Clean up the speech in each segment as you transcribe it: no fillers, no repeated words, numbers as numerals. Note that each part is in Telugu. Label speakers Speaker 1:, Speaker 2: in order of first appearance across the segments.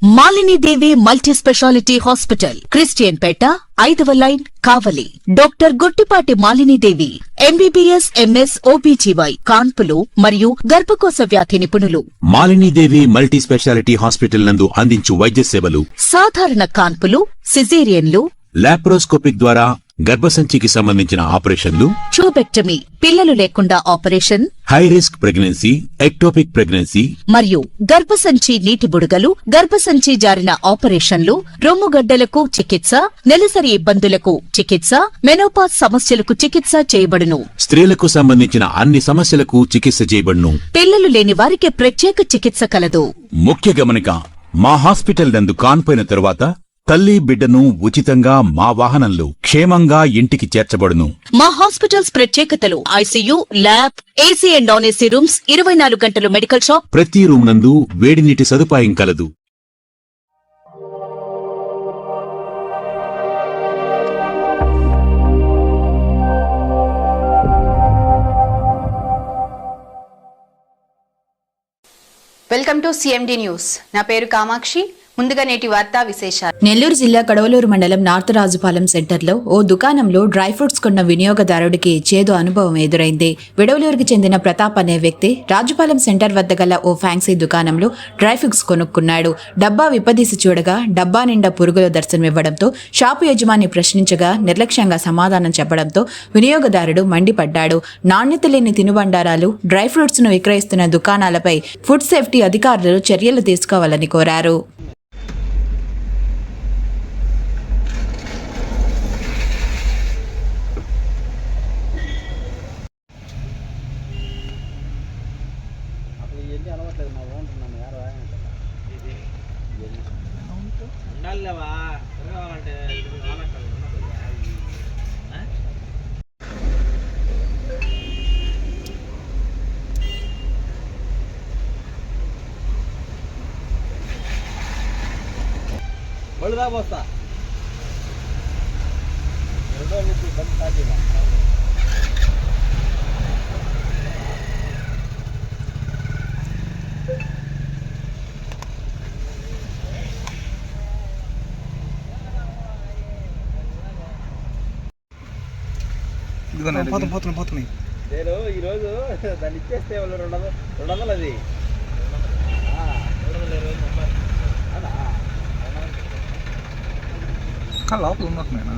Speaker 1: Malini Devi multi speciality hospital, Christian Peta, 5వ line, Kavali. Doctor Guttipati Malini Devi, MBBS, MS, OBGY, కాన్పులు మరియు గర్భకోశ వ్యాధి నిపుణులు.
Speaker 2: Malini Devi multi speciality hospital నందు అందించు వైద్య సేవలు:
Speaker 1: సాధారణ కాన్పులు, సిజేరియన్లు,
Speaker 2: లాప్రోస్కోపిక్ ద్వారా గర్భసంచికి సంబంధించిన ఆపరేషన్లు,
Speaker 1: ట్యూబెక్టమీ, పిల్లలు లేకుండా operation,
Speaker 2: high risk pregnancy, ectopic pregnancy
Speaker 1: మరియు గర్భసంచి నీటి బుడగలు, గర్భసంచి జారిన ఆపరేషన్లు, రొమ్ముగడ్డలకు చికిత్స, నెలసరి ఇబ్బందులకు చికిత్స, మెనోపాజ్ సమస్యలకు చికిత్స చేయబడును.
Speaker 2: స్త్రీలకు సంబంధించిన అన్ని సమస్యలకు చికిత్స చేయబడును.
Speaker 1: పిల్లలు లేని వారికి ప్రత్యేక చికిత్స కలదు.
Speaker 2: ముఖ్య గమనిక: మా హాస్పిటల్ నందు కాన్పోయిన తరువాత తల్లి బిడ్డను ఉచితంగా మా వాహనంలో క్షేమంగా ఇంటికి చేర్చబడును.
Speaker 1: మా హాస్పిటల్స్ ప్రత్యేకతలు: ICU, lab, AC and non AC rooms, 24 గంటలు మెడికల్ షాప్,
Speaker 2: ప్రతి రూమ్ నందు వేడి నీటి సదుపాయం కలదు.
Speaker 3: Welcome to CMD news. నా పేరు కామాక్షి. ముందుగా నేటి వార్తా విశేషాలు.
Speaker 4: నెల్లూరు జిల్లా కడవలూరు మండలం నార్త్ రాజుపాలెం సెంటర్లో ఓ దుకాణంలో డ్రై ఫ్రూట్స్ కొన్న వినియోగదారుడికి చేదు అనుభవం ఎదురైంది. విడవలూరుకి చెందిన ప్రతాప్ అనే వ్యక్తి రాజుపాలెం సెంటర్ వద్ద గల ఓ ఫ్యాన్సీ దుకాణంలో డ్రై ఫ్రూట్స్ కొనుక్కున్నాడు. డబ్బా విప్పదీసి చూడగా డబ్బా నిండా పురుగుల దర్శనమివ్వడంతో షాపు యజమాని ప్రశ్నించగా నిర్లక్ష్యంగా సమాధానం చెప్పడంతో వినియోగదారుడు మండిపడ్డాడు. నాణ్యత లేని తినుబండారాలు, డ్రై ఫ్రూట్స్ ను విక్రయిస్తున్న దుకాణాలపై ఫుడ్ సేఫ్టీ అధికారులు చర్యలు తీసుకోవాలని కోరారు.
Speaker 5: బళ్ళుదా పోస్తా
Speaker 6: పోతున్నాయి.
Speaker 5: నేను ఈరోజు దాన్ని ఇచ్చేస్తే వాళ్ళు 200 అది
Speaker 6: లోపల ఉన్నట్టున్నాయినా.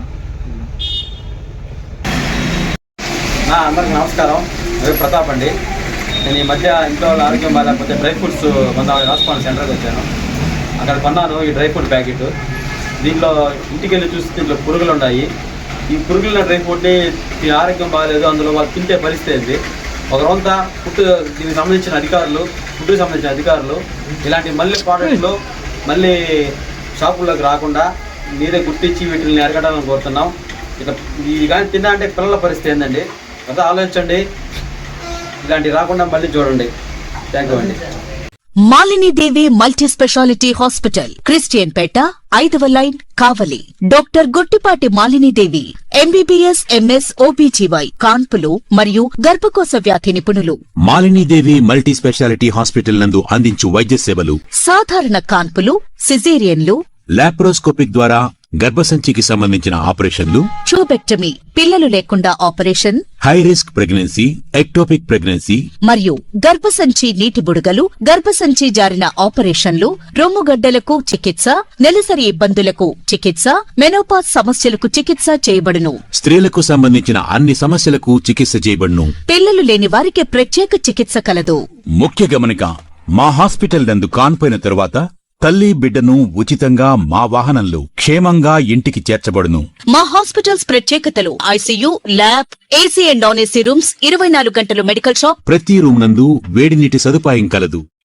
Speaker 5: అందరికి నమస్కారం. అదే ప్రతాప్ అండి. నేను ఈ మధ్య ఇంట్లో ఆరోగ్యం బాగాలేకపోతే డ్రై ఫ్రూట్స్ రాజుపాలెం సెంటర్కి వచ్చాను. అక్కడ కొన్నాను ఈ డ్రై ఫ్రూట్ ప్యాకెట్. దీంట్లో ఇంటికి వెళ్ళి చూసి దీంట్లో పురుగులు ఉన్నాయి. ఈ పురుగుల డ్రై ఫ్రూట్ని దీని ఆరోగ్యం బాగాలేదు, అందులో వాళ్ళు తింటే పరిస్థితి. ఒక రోజంతా దీనికి సంబంధించిన ఫుడ్కి సంబంధించిన అధికారులు ఇలాంటి మళ్ళీ ప్రోడక్ట్లు మళ్ళీ షాపుల్లోకి రాకుండా మీరే గుర్తించి వీటిని అరగడాలని కోరుతున్నాం. ఇక ఇది కానీ తిన్నా అంటే పిల్లల పరిస్థితి ఏందండి? కదా ఆలోచించండి. ఇలాంటివి రాకుండా మళ్ళీ చూడండి. థ్యాంక్ యూ అండి.
Speaker 1: Malini Devi multi speciality hospital, Christian Peta, 5వ line, Kavali. Doctor Guttipati Malini Devi, MBBS, MS, OBGY, కాన్పులు మరియు గర్భకోశ వ్యాధి నిపుణులు.
Speaker 2: Malini Devi multi speciality hospital నందు అందించు వైద్య సేవలు:
Speaker 1: సాధారణ కాన్పులు, సిజేరియన్లు,
Speaker 2: లాప్రోస్కోపిక్ ద్వారా గర్భసంచికి సంబంధించిన ఆపరేషన్లు,
Speaker 1: ట్యూబెక్టమీ, పిల్లలు లేకుండా operation,
Speaker 2: high risk pregnancy, ectopic pregnancy
Speaker 1: మరియు గర్భసంచి నీటి బుడగలు, గర్భసంచి జారిన ఆపరేషన్లు, రొమ్ముగడ్డలకు చికిత్స, నెలసరి ఇబ్బందులకు చికిత్స, మెనోపాజ్ సమస్యలకు చికిత్స చేయబడును.
Speaker 2: స్త్రీలకు సంబంధించిన అన్ని సమస్యలకు చికిత్స చేయబడును.
Speaker 1: పిల్లలు లేని వారికి ప్రత్యేక చికిత్స కలదు.
Speaker 2: ముఖ్య గమనిక: మా హాస్పిటల్ నందు కాన్పోయిన తరువాత తల్లి బిడ్డను ఉచితంగా మా వాహనంలో క్షేమంగా ఇంటికి చేర్చబడును.
Speaker 1: మా హాస్పిటల్స్ ప్రత్యేకతలు: ICU, lab, AC and non AC rooms, 24 గంటలు మెడికల్ షాప్,
Speaker 2: ప్రతి రూమ్ నందు వేడి నీటి సదుపాయం కలదు.